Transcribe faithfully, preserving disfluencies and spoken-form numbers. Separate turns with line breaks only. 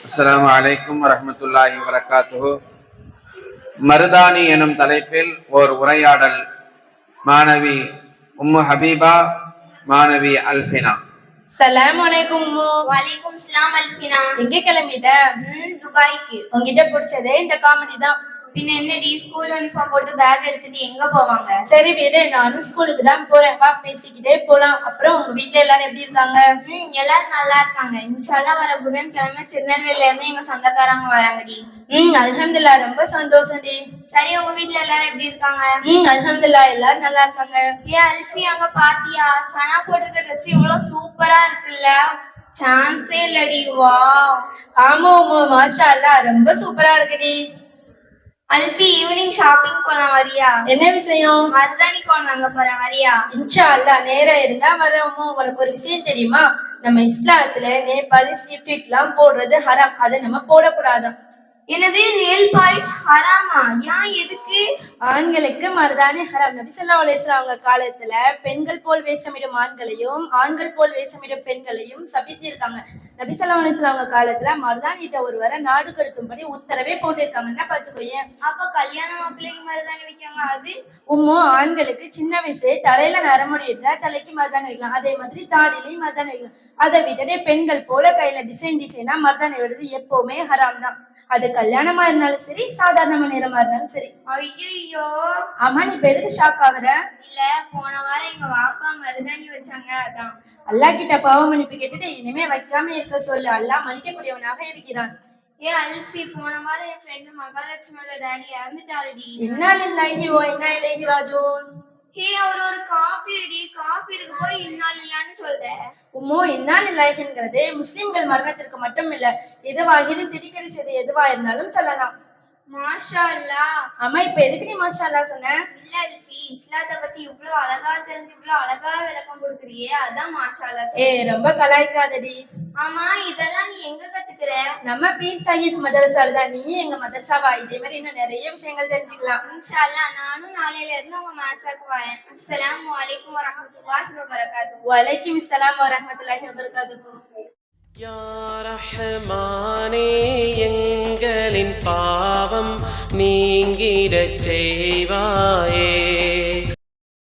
அஸ்ஸலாமு அலைக்கும் வரஹ்மத்துல்லாஹி வபரகாத்துஹு. மருதானி எனும் தலைப்பில் ஓர் உரையாடல். மாணவி உம்மு ஹபீபா, மாணவி அல்ஃபினா.
சலாம் அலைக்கும் உம்மு.
வலைக்கும் சலாம் அல்ஃபினா.
எங்க கிளம்பிட்ட?
துபாய்க்கு.
உங்ககிட்ட பிடிச்சதே இந்த காமெடி தான்.
பின்ன என்னடி, ஸ்கூல் யூனிஃபார்ம் போட்டு பேக் எடுத்துட்டு எங்க போவாங்க?
சரி வீடு, நானும் ஸ்கூலுக்கு தான் போறேன், வா பேசிக்கிட்டே போலாம். அப்புறம் உங்க வீட்டுல எல்லாரும் எப்படி இருக்காங்க?
ம் எல்லாரும் நல்லா இருக்காங்க. இன்ஷால்லா வர புதன்கிழமை திருநெல்வேலியில இருந்து எங்க சொந்தக்காரங்க வராங்கடி.
ம் அல்ஹம்துலில்லாஹ், ரொம்ப சந்தோஷம் டி.
சரி, உங்க வீட்டுல எல்லாரும் எப்படி இருக்காங்க?
ம் அல்ஹம்துலில்லாஹ், எல்லாரும் நல்லா இருக்காங்க.
ஏ அல்ஃபி, அங்க பாத்தியா சனா போட்டிருக்க ட்ரெஸ் இவ்வளவு சூப்பரா இருக்குல்ல? சான்ஸே இல்லடி. வா.
ஆமா உம்மு, மாஷா அல்லாஹ், ரொம்ப சூப்பரா இருக்குடி.
அல்ஃபி, ஈவினிங் ஷாப்பிங் போலாம், வரியா?
என்ன விஷயம்?
மருதாணி கோன் வாங்க போறேன், வரியா?
இன்ஷா அல்லாஹ், நேரம் இருந்தா வரேன். உங்களுக்கு ஒரு விஷயம் தெரியுமா? நம்ம இஸ்லாத்துல நேபாளி லிப்ஸ்டிக் எல்லாம் போடுறது ஹராம், அதை நம்ம போடக்கூடாதான்.
என்னது, நெயில் பாலிஷ் ஹராமா? ஏன், எதுக்கு?
ஆண்களுக்கு மருதாணி ஹராம். நபி ஸல்லல்லாஹு அலைஹி வஸல்லம் அவங்க காலத்துல பெண்கள் போல் வேஷமிடும் ஆண்களையும் ஆண்கள் போல் வேஷமிடும் பெண்களையும் சபித்திருக்காங்க. நபி ஸல்லல்லாஹு அலைஹி வஸல்லம் அவங்க காலத்துல மருதாணிட்ட ஒருவரை நாடு கடத்தும்படி உத்தரவே போட்டிருக்காங்கன்னா பாத்துக்கோயேன்.
அப்ப கல்யாண மாப்பிள்ளைக்கு மருதாணி வைக்காங்க, அது?
உம்மு, ஆண்களுக்கு சின்ன வயசுல தலையில நரமுடி இருந்தா தலைக்கு மருதாணி வைக்கலாம், அதே மாதிரி தாடிலையும் மருதாணி வைக்கலாம். அதை விட்டுட்டு பெண்கள் போல கையில டிசைன் டிசைனா மருதாணி விடுறது எப்பவுமே ஹராம் தான். அது கல்யாணமா இருந்தாலும் சரி, சாதாரண நேரமா இருந்தாலும் சரி.
ஐயோ.
ஆமா, நீ இப்ப எதுக்கு ஷாக் ஆகுற?
இல்ல, போன வாரம் எங்க வாப்பா மருதாணி வச்சாங்க, அதான்.
அல்லாஹ் கிட்ட பாவ மன்னிப்பு கேட்டுட்டு இனிமே வைக்காம இருக்க சொல்லு, அல்லாஹ் மன்னிக்கக்கூடியவனாக இருக்கிறான்.
ஏ அல்ஃபி, போன வாரம் என் ஃப்ரெண்டு மகாலட்சுமியோட டேடி இறந்துட்டாருடி.
இன்னா லில்லாஹி வ இன்னா இலைஹி ராஜிஊன்.
ஹே, அவர் ஒரு காஃபிடி, காஃபி இருக்கு போய் இன்னா லில்லான்னு சொல்ற.
உம்மோ, இன்னா லில்லாஹிங்கிறது முஸ்லிம்கள் மரணத்திற்கு மட்டும் இல்ல, எதுவாகிலும் திடிக்கடி செய்து எதுவா இருந்தாலும் சொல்லலாம்.
மாஷா அல்லாஹ்.
ஆமா, இப்ப எதுக்கு நீ மாஷா அல்லாஹ் சொன்ன?
இல்ல அல்ஃபி, இஸ்லாத்தை பத்தி இவ்வளவு அழகா தெரிஞ்சு இவ்வளவு அழகா விளக்கம் கொடுக்குறியே, அதான் மாஷா அல்லாஹ்.
ஏ, ரொம்ப கலாய்க்காதடி.
ஆமா, இதெல்லாம் நீ எங்க கத்துக்கிற?
நம்ம பீர் சாஹிப் மதரசால தான். நீ எங்க மதரசாவா? இதே மாதிரி இன்னும் நிறைய விஷயங்கள் தெரிஞ்சுக்கலாம்.
இன்ஷா அல்லாஹ், நானும் நாளையில இருந்து உங்க மாசாக்கு வரேன். அஸ்ஸலாமு அலைக்கும் வரஹ்மத்துல்லாஹி வபரகாத்துஹு.
வலைக்கும் ஸலாம் வரஹ்மத்துல்லாஹி வபரகாத்துஹு.
யா ரஹ்மானே, எங்களின் பாவம் நீங்கிடச் செய்வாயே.